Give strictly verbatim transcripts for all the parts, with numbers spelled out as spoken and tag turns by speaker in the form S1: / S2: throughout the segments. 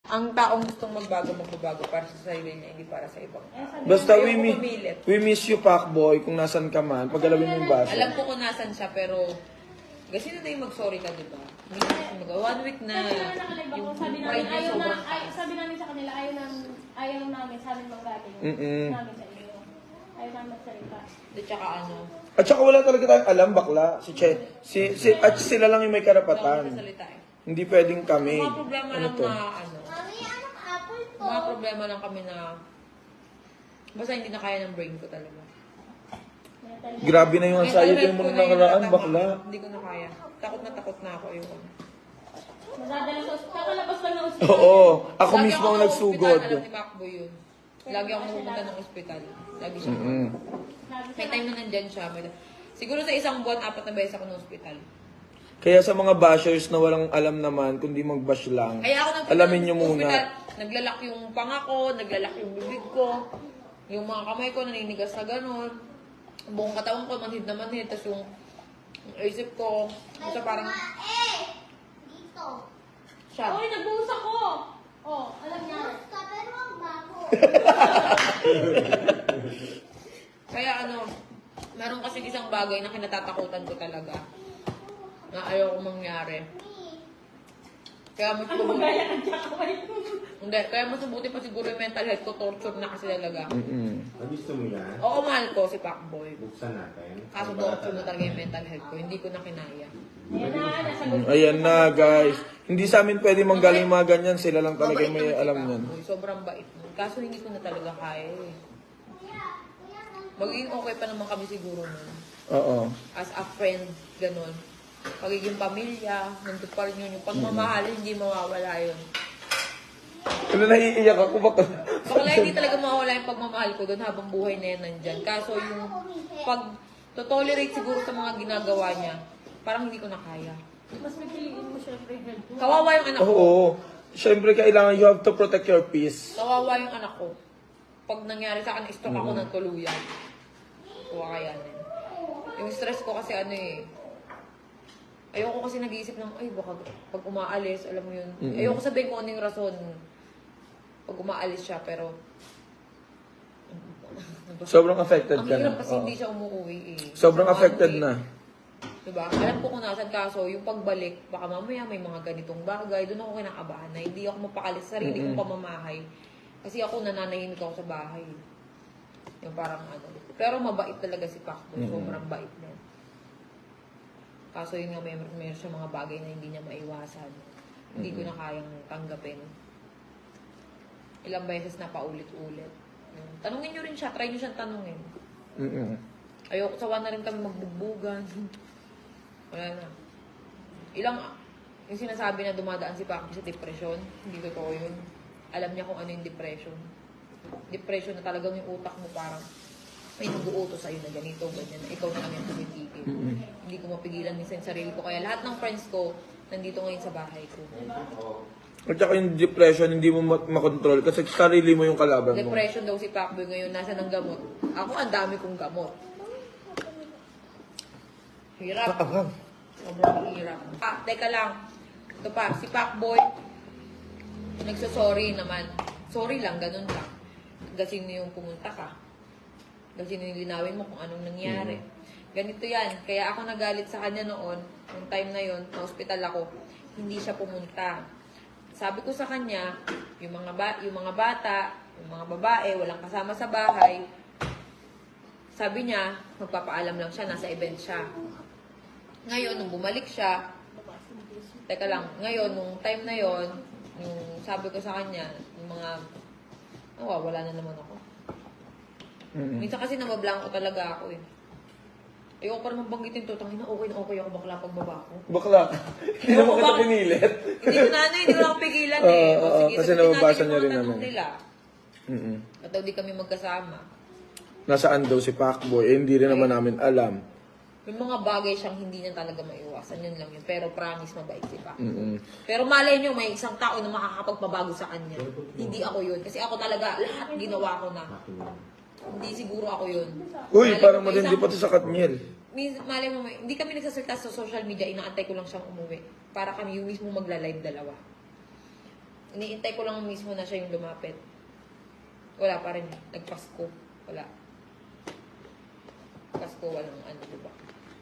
S1: Ang taong gustong magbago, magbabago para sa sarili niya, hindi para sa ibang tao.
S2: Basta we,
S1: Ayoko
S2: mi
S1: pumilit.
S2: we miss you, Pacboy, kung nasan ka man. Paggalawin mo yung baso.
S1: Alam ko kung nasan siya, pero kasi na tayo mag-sorry ka, di ba? Hindi na kasi mag One week na
S3: Kasi nga nakalive ako, sabi namin,
S1: pride niya
S3: ayaw na,
S1: sobrang
S3: ay,
S1: taas.
S3: sabi namin sa kanila, ayaw namin, ayaw namin sa amin manggaling.
S2: Mm-mm.
S3: Namin sa inyo. Ayaw namin magsalita.
S1: At saka ano,
S2: At saka wala talaga tayong alam, bakla. Si Che, si, si, at sila lang yung may
S1: wala akong
S2: karapatan.
S1: sasalita eh.
S2: Hindi pwedeng kami.
S1: Mga problema
S2: Ano
S1: lang
S2: to?
S1: na ano, mga problema lang kami na basta hindi na kaya ng brain ko talaga.
S2: Grabe na yung anxiety
S1: Mental
S2: mo
S1: health ko
S2: nung
S1: na yung
S2: nakaraan,
S1: natama.
S2: bakla.
S1: Hindi ko na kaya. Takot na takot na ako yung
S3: Madadala sa ospital. Kakalabas lang ng ospital.
S2: Oo, ako
S1: Lagi
S2: mismo ang
S1: sa
S2: nagsugod.
S1: ospital, alam ni Macbo yun. Lagi ako napupunta ng ospital. Lagi siya.
S2: Mm-mm.
S1: May time na nandyan siya. May... Siguro sa isang buwan, apat na beses ako ng ospital.
S2: Kaya sa mga bashers na walang alam naman, kundi mag-bash lang,
S1: Kaya ako nagpunta
S2: alamin
S1: ng
S2: nyo muna.
S1: ospital, naglalak yung panga ko, naglalak yung bibig ko, yung mga kamay ko naninigas na gano'n. Buong katawan ko, manhid na manhid. Tapos yung, yung isip ko, basta parang
S4: Dito.
S1: siya.
S3: Uy, nagbuhos ako! Oh, alam niya.
S4: Basta pero ang bago.
S1: Kaya ano, meron kasi isang bagay na kinatatakutan ko talaga. Na ayaw ko mangyari. Kaya mas
S3: Ano
S1: mabuti,
S3: magaya ng jakaway?
S1: hindi, kaya mas mabuti pa siguro yung mental health ko, torture na kasi talaga.
S2: Mm-mm.
S5: Ah, gusto mo yan?
S1: Oo, mahal ko si Pacboy.
S5: Buksan natin.
S1: Kaso torture na talaga yung mental health ko, hindi ko na kinaya.
S3: Ayan na, nasagot.
S2: Mm, Ayan na, guys. Hindi sa amin pwede manggaling mga ganyan. Sila lang talaga yung may
S1: naman si
S2: alam yan.
S1: Pacboy, sobrang bait nun. Kaso hindi ko na talaga kaya eh. Magiging okay pa naman kami siguro nun.
S2: Oo.
S1: As a friend, ganun. Pagiging pamilya, nandun pa rin yun. Yung pagmamahal, hindi mawawala yun.
S2: Ano, naiiyak ako, baka...
S1: Bakla hindi talaga mawawala yung pagmamahal ko doon habang buhay na yan nandyan. Kaso yung pag to-tolerate siguro sa mga ginagawa niya, parang hindi ko na kaya.
S3: Mas pipiliin mo syempre yung health mo.
S1: Kawawa yung anak ko.
S2: Oo. Siyempre, kailangan you have to protect your peace.
S1: Kawawa yung anak ko. Pag nangyari sa akin, stroke ako ng tuluyan. Kuha kaya na. Yung stress ko kasi ano eh, ayoko kasi nag-iisip ng, ay baka pag umaalis, alam mo yun.
S2: Mm-mm.
S1: Ayoko sabihin kung ano yung rason pag umaalis siya, pero
S2: Sobrang affected
S1: ang
S2: ka na.
S1: hirap kasi
S2: Oo.
S1: hindi siya umuwi eh.
S2: Sobrang
S1: One
S2: affected
S1: week.
S2: na.
S1: Diba? Alam ko kung nasan kaso, yung pagbalik, baka mamaya may mga ganitong bagay, doon ako kinakabahan na hindi ako mapakalis sa sarili kong pamamahay. Kasi ako nananahimik ako sa bahay. Yung parang ano. Pero mabait talaga si Pacboy. Sobrang bait na. Kaso yun nga, may, may siya mga bagay na hindi niya maiwasan. Hindi ko na kayang tanggapin. Ilang beses na paulit-ulit. Yun. Tanungin nyo rin siya. Try nyo siyang tanungin.
S2: Mm-mm.
S1: Ayoko, sawa na rin kami magbugbugan. Wala na. Ilang, yung sinasabi na dumadaan si Pacboy sa depression, hindi totoo yun. Alam niya kung ano yung depression. Depression na talagang yung utak mo parang may nag-uutos sa'yo na ganito, ganyan, na ikaw na lang yung tumitigil. Hindi ko mapigilan minsan yung sarili ko. Kaya lahat ng friends ko, nandito ngayon sa bahay ko.
S2: At saka yung depression, hindi mo ma- makontrol kasi sarili mo yung kalaban mo.
S1: Depression daw si Pacboy ngayon, nasa ng gamot. Ako, ang dami kong gamot. Hirap. Sobrang hirap. Ah, teka lang. Ito pa, si Pacboy, nagsasorry naman. Sorry lang, ganun lang. Kasi yung pumunta ka. Kasi nilinawin mo kung anong nangyari. Ganito yan. Kaya ako nagalit sa kanya noon, nung time na yon, na hospital ako, hindi siya pumunta. Sabi ko sa kanya, yung mga, ba yung mga bata, yung mga babae, walang kasama sa bahay, sabi niya, magpapaalam lang siya, nasa event siya. Ngayon, nung bumalik siya, teka lang, ngayon, nung time na yon, yung sabi ko sa kanya, yung mga, oh, wala na naman ako.
S2: Mm-mm.
S1: Minsan kasi nabablanko talaga ako eh. Ayoko pa naman banggitin to, tangina, okay na okay ako bakla pagbaba ko.
S2: Bakla. Hindi naman kita
S1: Bakit?
S2: pinilit.
S1: Hindi ko na ano, hindi ko na ako pigilan eh.
S2: Oo,
S1: O,
S2: oo,
S1: sige,
S2: kasi
S1: sagutin
S2: nababasa
S1: natin yung
S2: niya
S1: mga
S2: rin
S1: tanong
S2: naman.
S1: nila.
S2: Mm-mm.
S1: At daw di kami magkasama.
S2: Nasaan daw si Pacboy? Eh, hindi rin naman namin alam.
S1: May mga bagay siyang hindi niya talaga maiwasan. Yun lang yun. Pero promise, mabait si Pac.
S2: Mm-mm.
S1: Pero malay nyo, may isang tao na makakapagpabago sa kanya. Hindi ako yun. Kasi ako talaga, lahat ginawa ko na. Hindi siguro ako yun.
S2: Uy,
S1: Malay
S2: parang
S1: mo, may
S2: matindi
S1: isang-
S2: pati sa Katniel.
S1: Min- Malay mo, may- hindi kami nagsasalita sa social media, inaantay ko lang siyang umuwi. Para kami yung mismo magla-live dalawa. Iniintay ko lang mismo na siya yung lumapit. Wala pa rin. Nagpasko. Wala. Pasko, walang ano, diba?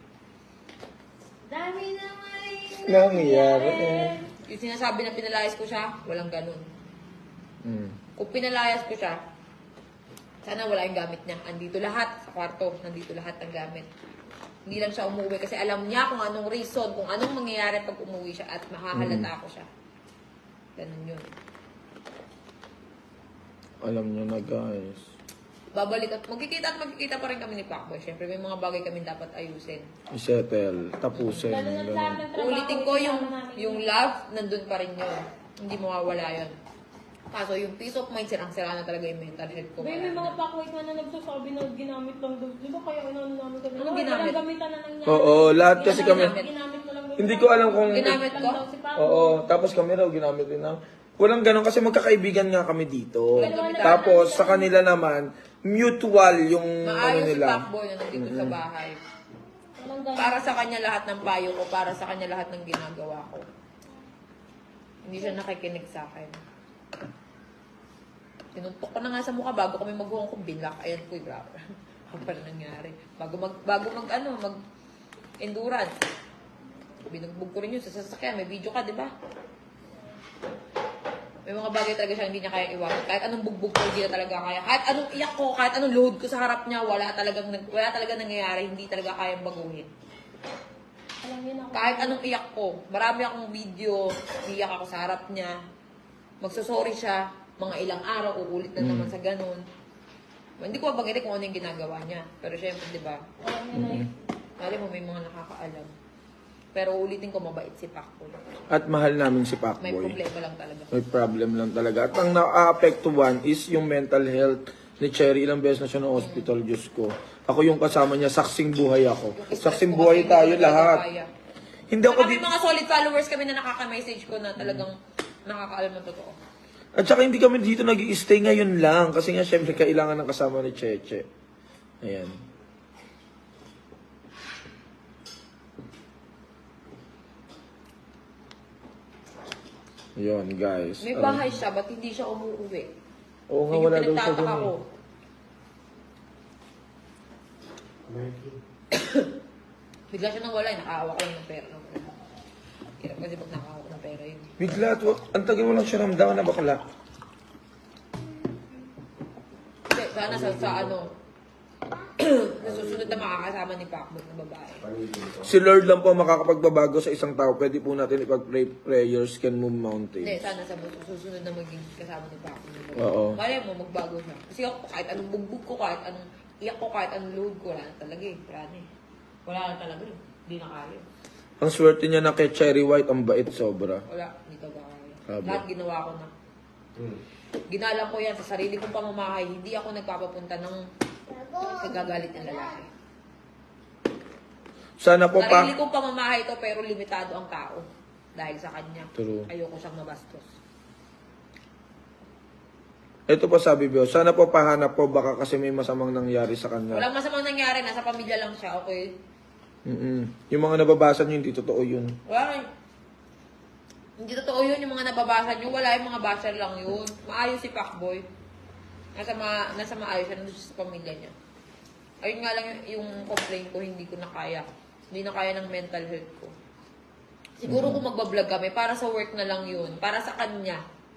S3: Dami naman
S2: Nangyayari.
S1: Yung sinasabi na pinalayas ko siya, walang ganun.
S2: Mm.
S1: Kung pinalayas ko siya, sana wala yung gamit niya. Andito lahat sa kwarto. Nandito lahat ng gamit. Hindi lang siya umuwi kasi alam niya kung anong reason, kung anong mangyayari pag umuwi siya at makahalata ko siya. Ganun yun.
S2: Alam nyo na guys.
S1: Babalik at magkikita at magkikita pa rin kami ni Pacboy. Siyempre, may mga bagay kami dapat ayusin.
S2: I-settle. Tapusin.
S3: Lalo na lahat
S2: Ganun.
S3: ng trabaho.
S1: Ulitin ko yung,
S3: kasama namin.
S1: yung love, nandun pa rin yun. Hindi mawawala yun. Kaso yung peace of mind, sirang-sira na talaga yung mental health ko.
S3: May, may
S1: Wala
S3: mga
S1: na.
S3: pakwait na na nagsasabi na ginamit lang daw. Di ba kaya inano namin kami?
S1: Anong ginamit?
S3: Walang gamitan na nangyari.
S2: Oo, lahat kasi
S1: Ginamit
S2: kami.
S1: namin.
S3: Ginamit mo lang daw.
S2: Hindi ko alam kung...
S1: Ginamit ko?
S3: Lang daw si Paco.
S2: Oo, tapos kami raw ginamit din na. Walang ganun kasi magkakaibigan nga kami dito.
S1: Walang gamitan.
S2: Tapos sa kanila naman, mutual yung ano
S1: Maayos si
S2: nila.
S1: Pacboy na nandito sa bahay.
S3: Walang ganun.
S1: Para sa kanya lahat ng payo ko, para sa kanya lahat ng ginagawa ko. Hindi siya nakikinig sa akin. Tinuntok ko na nga sa mukha bago kami mag-hong kong bilak. Ayan ko, grabe. Ano pala nangyari? Bago mag, bago mag, ano, mag endurance. Binugbog ko rin yun sa sasakyan. May video ka, di ba? May mga bagay talaga siya hindi niya kaya iwasan. Kahit anong bugbog ko, hindi na talaga kaya. Kahit anong iyak ko, kahit anong load ko sa harap niya, wala talagang, nag- wala talaga nangyayari. Hindi talaga kayang baguhin.
S3: Alam niyo na ako.
S1: Kahit anong iyak ko, marami akong video, iyak ako sa harap niya. Magsasorry siya, mga ilang araw, uulit na naman sa ganun. Hindi ko mabanggit kung ano yung ginagawa niya. Pero syempre, di ba?
S3: Alam niyo na yun.
S1: Alam mo, may mga nakakaalam. Pero ulitin ko, mabait si Pacboy.
S2: At mahal namin si
S1: May
S2: Pacboy.
S1: problema lang talaga.
S2: May problem lang talaga. At ang na-apektuhan is yung mental health ni Cherry. Ilang beses na siya ng hospital, Diyos ko. Ako yung kasama niya, saksing buhay ako.
S1: Yung stress
S2: Saksing
S1: ko
S2: buhay
S1: kasi
S2: tayo
S1: hindi ko talaga
S2: lahat.
S1: kaya.
S2: Hindi ako
S1: Saka
S2: di...
S1: may mga solid followers kami na nakaka-message ko na talagang nakakaalam ng totoo.
S2: At saka hindi kami dito nag-i-stay ngayon lang. Kasi nga, syempre, kailangan ng kasama ni Cheche. Ayan. Yun, guys.
S1: May
S2: Ano-
S1: bahay siya, ba't hindi siya umuuwi?
S2: Oo nga,
S1: Yun yung
S2: wala daw siya
S1: pinagtataka
S2: dun
S1: ko.
S2: eh.
S1: Bigla siya nang wala, eh. Nakaawa ko lang ng pera. Hirap kasi pag nakaawa ko ng pera yun.
S2: Bigla, at wa- ang tagal mo lang siya ramdaman na bakla.
S1: Hindi, sana sa, sa ano, sa susunod na makakasama ni Pacboy na babae.
S2: Si Lord lang po ang makakapagbabago sa isang tao. Pwede po natin ipag-pray prayers can move
S1: Hindi,
S2: mountains.
S1: sana sa susunod na maging kasama ni Pacboy na babae.
S2: Oo.
S1: Malay mo, magbago siya. Kasi ako, kahit anong bugbog ko, kahit anong iyak ko, kahit anong load ko, wala na talaga eh. Wala na eh. Wala na talaga eh. Hindi na kaya.
S2: Ang swerte niya na kay Cherry White, ang bait sobra.
S1: Wala, hindi talaga kaya.
S2: Sabi.
S1: Lahat ginawa ko na. Ginalang ko yan sa sarili kong pamamahay. Hindi ako nagpapapunta ng kagagalit ng lalaki.
S2: Sana po pa...
S1: Sarili kong pamamahay ito pero limitado ang tao. Dahil sa kanya.
S2: True.
S1: Ayoko siyang mabastos.
S2: Ito po sabi Bio, sana po pahanap po baka kasi may masamang nangyari sa kanya.
S1: Walang masamang nangyari. Nasa pamilya lang siya. Okay?
S2: Mm-mm. Yung mga nababasa niyo, hindi totoo yun.
S1: Wala. Hindi totoo yun. Yung mga nababasa nyo. Wala, yung mga basher lang yun. Maayos si Pacboy. Nasa, ma nasa maayos siya. Nandun siya sa pamilya niya. Ayun nga lang yung, yung complaint ko. Hindi ko na kaya. Hindi na kaya ng mental health ko. Siguro kung magbablog kami, para sa work na lang yun. Para sa kanya.